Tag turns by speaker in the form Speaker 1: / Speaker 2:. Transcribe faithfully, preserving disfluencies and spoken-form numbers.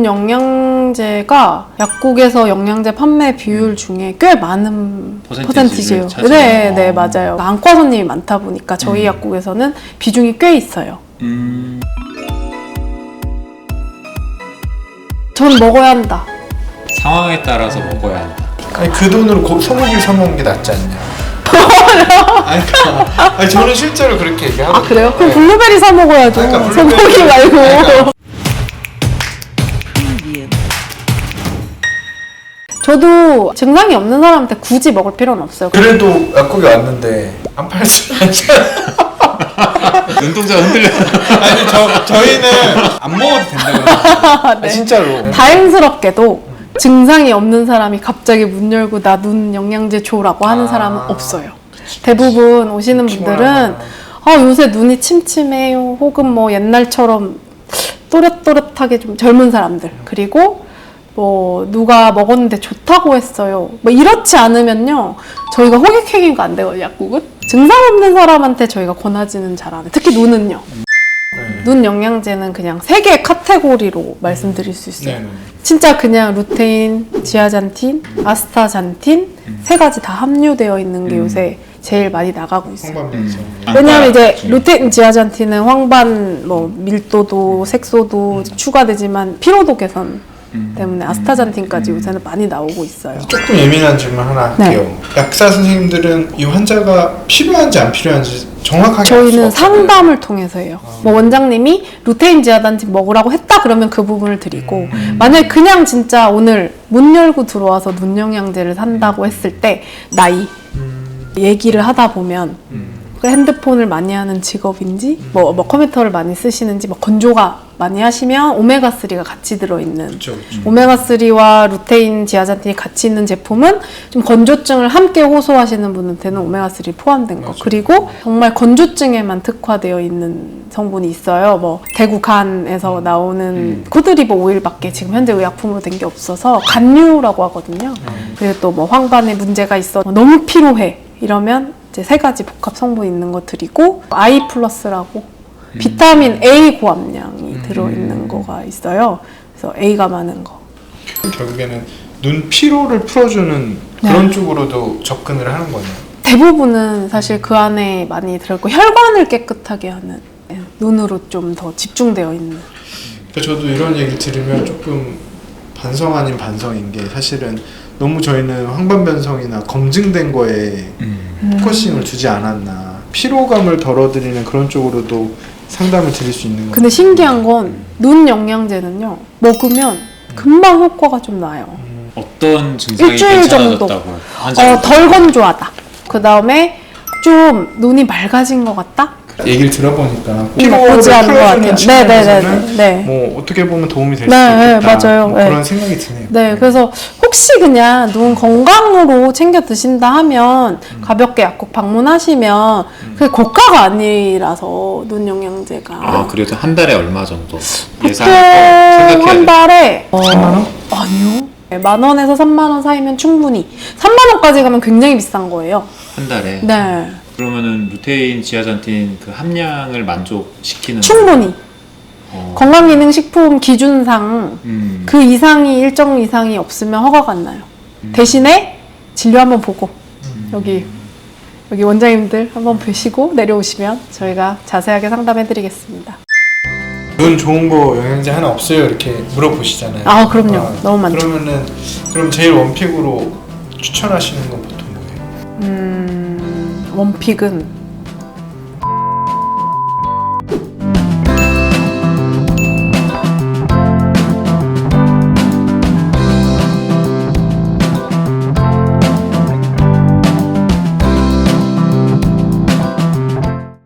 Speaker 1: 눈 영양제가 약국에서 영양제 판매 비율 중에 꽤 많은 퍼센티지예요. 네, 네, 맞아요. 안과 손님이 많다 보니까 저희 음. 약국에서는 비중이 꽤 있어요. 음. 전 먹어야 한다.
Speaker 2: 상황에 따라서 먹어야 한다.
Speaker 3: 아니 그 돈으로 고, 소고기를 사 먹는 게 낫지 않냐? 아니, 그러니까, 아니 저는 실제로 그렇게 얘기하거든요.
Speaker 1: 아 그래요? 그럼 블루베리 사 먹어야죠. 그러니까 블루베리, 소고기 말고. 그러니까. 저도 증상이 없는 사람한테 굳이 먹을 필요는 없어요.
Speaker 3: 그래도 약국에 왔는데 안 팔지
Speaker 2: 눈동자가 흔들려.
Speaker 3: 아니 저, 저희는 안 먹어도 된다고 그러거든요. 네. 진짜로.
Speaker 1: 다행스럽게도 증상이 없는 사람이 갑자기 문 열고 나 눈 영양제 줘라고 하는 아, 사람은 없어요. 그치, 대부분 오시는 분들은 아, 요새 눈이 침침해요. 혹은 뭐 옛날처럼 또렷또렷하게 좀 젊은 사람들. 그리고 뭐 누가 먹었는데 좋다고 했어요. 뭐 이렇지 않으면요. 저희가 호객행위가 안 되거든요. 약국은. 증상 없는 사람한테 저희가 권하지는 잘 안 해요. 특히 눈은요. 네. 눈 영양제는 그냥 세 개의 카테고리로 말씀드릴 수 있어요. 네. 진짜 그냥 루테인, 지아잔틴, 아스타잔틴 음. 세 가지 다 함유되어 있는 게 음. 요새 제일 많이 나가고 있어요. 음. 왜냐하면 이제 루테인, 지아잔틴은 황반, 뭐 밀도도, 색소도 음. 추가되지만 피로도 개선 음. 때문에 아스타잔틴까지 음. 요새는 많이 나오고 있어요.
Speaker 3: 조금 예민한 질문 하나 할게요. 네. 약사 선생님들은 이 환자가 필요한지 안 필요한지 정확하게
Speaker 1: 저희는 상담을 통해서 해요. 아. 뭐 원장님이 루테인 지아잔틴 먹으라고 했다 그러면 그 부분을 드리고 음. 만약에 그냥 진짜 오늘 문 열고 들어와서 눈 영양제를 산다고 했을 때 나이 음. 얘기를 하다 보면 음. 핸드폰을 많이 하는 직업인지 음. 뭐, 뭐 컴퓨터를 많이 쓰시는지 뭐 건조가 많이 하시면 오메가삼가 같이 들어있는 그쵸, 그쵸. 오메가삼과 루테인, 지아잔틴이 같이 있는 제품은 좀 건조증을 함께 호소하시는 분한테는 오메가삼 포함된 거 맞아. 그리고 정말 건조증에만 특화되어 있는 성분이 있어요. 뭐 대구 간에서 음. 나오는 음. 코드리버 오일밖에 지금 현재 의약품으로 된 게 없어서 간류라고 하거든요. 음. 그리고 또 뭐 황반에 문제가 있어 너무 피로해 이러면 이제 세 가지 복합 성분 있는 거 드리고 아이 플러스라고 음. 비타민 A 고함량이 음. 들어있는 거가 있어요. 그래서 A가 많은 거.
Speaker 3: 결국에는 눈 피로를 풀어주는 그런 네. 쪽으로도 접근을 하는 거네요.
Speaker 1: 대부분은 사실 그 안에 많이 들어있고 혈관을 깨끗하게 하는 눈으로 좀 더 집중되어 있는.
Speaker 3: 그러니까 저도 이런 얘기 들으면 조금 반성 아닌 반성인 게 사실은 너무 저희는 황반변성이나 검증된 거에 음. 포커싱을 두지 않았나. 피로감을 덜어드리는 그런 쪽으로도 상담을 드릴 수 있는 거예요.
Speaker 1: 근데 신기한 건 눈 영양제는요. 먹으면 금방 효과가 좀 나요.
Speaker 2: 음. 어떤 증상이
Speaker 1: 일주일 정도. 어, 덜 건조하다. 그 다음에 좀 눈이 맑아진 것 같다?
Speaker 3: 얘기를 들어보니까
Speaker 1: 피로를 풀어주는
Speaker 3: 측면에서는 네. 뭐 어떻게 보면 도움이 될 수
Speaker 1: 네,
Speaker 3: 있겠다.
Speaker 1: 네, 맞아요.
Speaker 3: 뭐
Speaker 1: 네.
Speaker 3: 그런 생각이 드네요.
Speaker 1: 네, 그래서 혹시 그냥 눈 건강으로 챙겨 드신다 하면 음. 가볍게 약국 방문하시면 음. 그게 고가가 아니라서 눈 영양제가.
Speaker 2: 아, 그래도 한 달에 얼마 정도 예상
Speaker 1: 생각해야 한 달에
Speaker 3: 어, 삼만 원?
Speaker 1: 아니요. 네, 만 원에서 삼만 원 사이면 충분히. 삼만 원까지 가면 굉장히 비싼 거예요.
Speaker 2: 한 달에?
Speaker 1: 네.
Speaker 2: 그러면은 루테인, 지아잔틴 그 함량을 만족시키는
Speaker 1: 충분히
Speaker 2: 어.
Speaker 1: 건강기능식품 기준상
Speaker 2: 음.
Speaker 1: 그 이상이 일정 이상이 없으면 허가가 안 나요. 음. 대신에 진료 한번 보고 음. 여기 여기 원장님들 한번 보시고 내려오시면 저희가 자세하게 상담해드리겠습니다.
Speaker 3: 눈 좋은 거 영양제 하나 없어요? 이렇게 물어보시잖아요.
Speaker 1: 아 그럼요.
Speaker 3: 아,
Speaker 1: 너무 많죠.
Speaker 3: 그러면은 그럼 제일 원픽으로 추천하시는 건 보통 뭐예요?
Speaker 1: 음 원픽은